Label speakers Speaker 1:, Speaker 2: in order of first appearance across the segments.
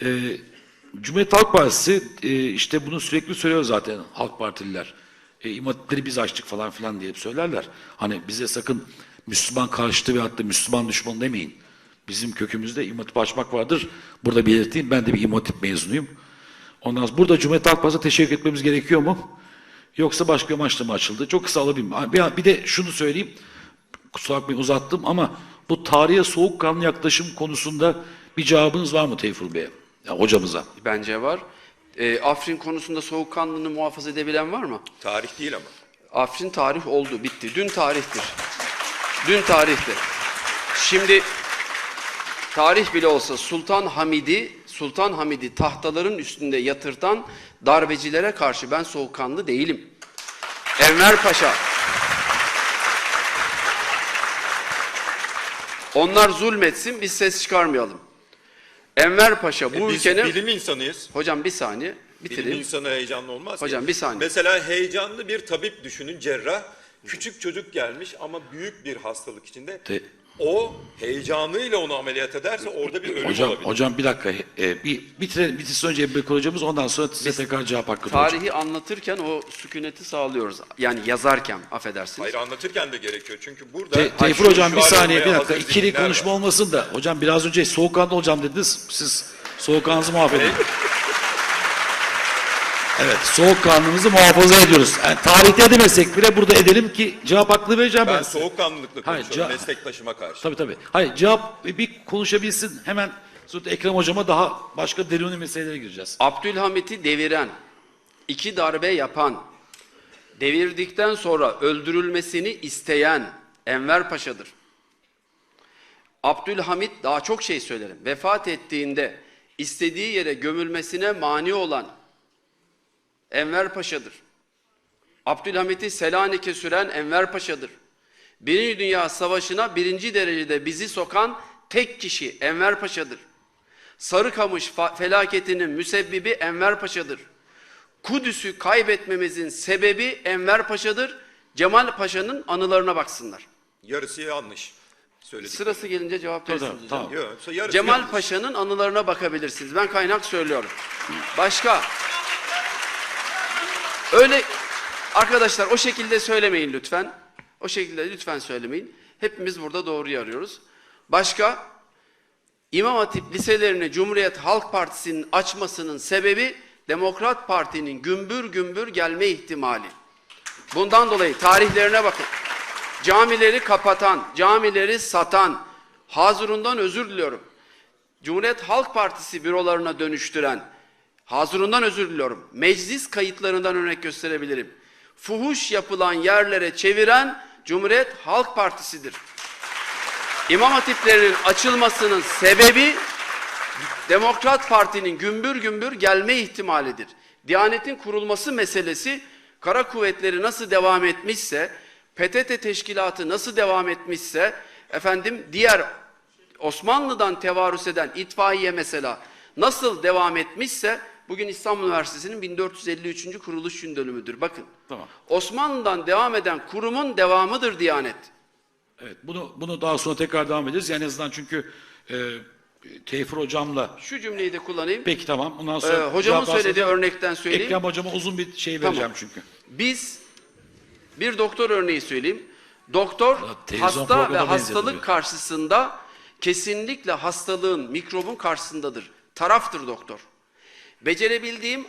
Speaker 1: Cumhuriyet Halk Partisi işte bunu sürekli söylüyor zaten Halk Partililer. İmam Hatipleri biz açtık falan filan diye söylerler. Hani bize sakın Müslüman karşıtı ve hatta Müslüman düşmanı demeyin. Bizim kökümüzde İmam Hatip açmak vardır. Burada belirteyim, ben de bir İmam Hatip mezunuyum. Ondan sonra burada Cumhuriyet Halk Partisi'ne teşekkür etmemiz gerekiyor mu? Yoksa başka amaçla mı açıldı? Çok kısa alabilirim. Bir de şunu söyleyeyim. Kusura bakmayın uzattım ama bu tarihe soğukkanlı yaklaşım konusunda bir cevabınız var mı Teyfur Bey'e? Ya, hocamıza.
Speaker 2: Bence var. Afrin konusunda soğukkanlılığını muhafaza edebilen var mı?
Speaker 3: Tarih değil ama.
Speaker 2: Afrin tarih oldu, bitti. Dün tarihtir. Dün tarihti. Şimdi tarih bile olsa Sultan Hamid'i tahtaların üstünde yatırtan darbecilere karşı ben soğukkanlı değilim. Enver Paşa. Onlar zulmetsin, biz ses çıkarmayalım. Enver Paşa bu
Speaker 3: Biz
Speaker 2: ülkenin...
Speaker 3: bilim insanıyız.
Speaker 2: Hocam bir saniye, bitireyim.
Speaker 3: Bilim insanı heyecanlı olmaz
Speaker 2: Hocam
Speaker 3: ki.
Speaker 2: bir saniye.
Speaker 3: Mesela heyecanlı bir tabip düşünün, cerrah. Küçük çocuk gelmiş ama büyük bir hastalık içinde. O heyecanıyla onu ameliyat ederse orada bir ölüm olabilir.
Speaker 1: Hocam bir dakika. Bitirsin önce Ebu Bekir hocamız, ondan sonra size tekrar cevap hakkı
Speaker 2: Tarihi
Speaker 1: olacak.
Speaker 2: anlatırken o sükuneti sağlıyoruz. Yani yazarken, affedersiniz.
Speaker 3: Hayır, anlatırken de gerekiyor. Çünkü burada...
Speaker 1: Teyfur hocam bir
Speaker 3: şu
Speaker 1: saniye, bir
Speaker 3: aramaya
Speaker 1: dakika.
Speaker 3: hazır
Speaker 1: İkili
Speaker 3: zihinler
Speaker 1: konuşma
Speaker 3: var.
Speaker 1: olmasın da. Hocam biraz önce soğukkanlı olacağım dediniz. Siz soğukkanlınızı muhafaza edin. Evet, soğukkanlılığımızı muhafaza ediyoruz. Yani tarihte edemezsek bile burada edelim ki cevap hakkını vereceğim ben
Speaker 3: Ben
Speaker 1: size.
Speaker 3: soğukkanlılıkla
Speaker 1: Hayır,
Speaker 3: konuşuyorum meslektaşıma karşı.
Speaker 1: Tabii. Hayır, cevap bir konuşabilsin. Hemen sonra Ekrem hocama daha başka deruni meselelere gireceğiz.
Speaker 2: Abdülhamit'i deviren, 2 darbe yapan, devirdikten sonra öldürülmesini isteyen Enver Paşa'dır. Abdülhamit, daha çok şey söylerim, vefat ettiğinde istediği yere gömülmesine mani olan Enver Paşa'dır. Abdülhamit'i Selanik'e süren Enver Paşa'dır. Birinci Dünya Savaşı'na 1. derecede bizi sokan tek kişi Enver Paşa'dır. Sarıkamış felaketinin müsebbibi Enver Paşa'dır. Kudüs'ü kaybetmemizin sebebi Enver Paşa'dır. Cemal Paşa'nın anılarına baksınlar.
Speaker 3: Yarısı yanlış. Söyledik.
Speaker 2: Sırası gelince cevap verirsiniz.
Speaker 1: Tamam.
Speaker 3: Yok, yarısı
Speaker 2: Cemal
Speaker 3: yanlış.
Speaker 2: Paşa'nın anılarına bakabilirsiniz. Ben kaynak söylüyorum. Başka? Öyle arkadaşlar, o şekilde söylemeyin lütfen. O şekilde lütfen söylemeyin. Hepimiz burada doğruyu arıyoruz. Başka? İmam Hatip liselerini Cumhuriyet Halk Partisi'nin açmasının sebebi Demokrat Parti'nin gümbür gümbür gelme ihtimali. Bundan dolayı tarihlerine bakın. Camileri kapatan, camileri satan, Hazurundan özür diliyorum. Cumhuriyet Halk Partisi bürolarına dönüştüren, Hazurundan özür diliyorum. Meclis kayıtlarından örnek gösterebilirim. Fuhuş yapılan yerlere çeviren Cumhuriyet Halk Partisi'dir. İmam hatiplerinin açılmasının sebebi Demokrat Parti'nin gümbür gümbür gelme ihtimalidir. Diyanetin kurulması meselesi, kara kuvvetleri nasıl devam etmişse, PTT teşkilatı nasıl devam etmişse, diğer Osmanlı'dan tevarüs eden itfaiye mesela nasıl devam etmişse, bugün İstanbul Üniversitesi'nin 1453. kuruluş gün dönümüdür. Bakın,
Speaker 1: Tamam.
Speaker 2: Osmanlı'dan devam eden kurumun devamıdır Diyanet.
Speaker 1: Evet, bunu daha sonra tekrar devam ederiz. Yani en azından çünkü Teyfur hocamla...
Speaker 2: Şu cümleyi de kullanayım.
Speaker 1: Peki tamam. Ondan sonra
Speaker 2: Hocamın
Speaker 1: cevap
Speaker 2: söylediği
Speaker 1: alsanız-
Speaker 2: örnekten söyleyeyim.
Speaker 1: Ekrem hocama uzun bir şey vereceğim çünkü.
Speaker 2: Biz bir doktor örneği söyleyeyim. Doktor
Speaker 1: televizyon
Speaker 2: hasta ve
Speaker 1: programına
Speaker 2: hastalık
Speaker 1: benzedi.
Speaker 2: karşısında kesinlikle hastalığın, mikrobun karşısındadır. Taraftır doktor. Becerebildiğim,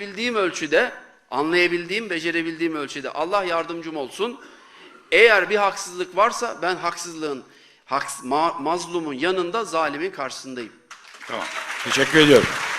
Speaker 2: becerebildiğim ölçüde Allah yardımcım olsun. Eğer bir haksızlık varsa ben mazlumun yanında, zalimin karşısındayım.
Speaker 1: Tamam. Teşekkür ediyorum.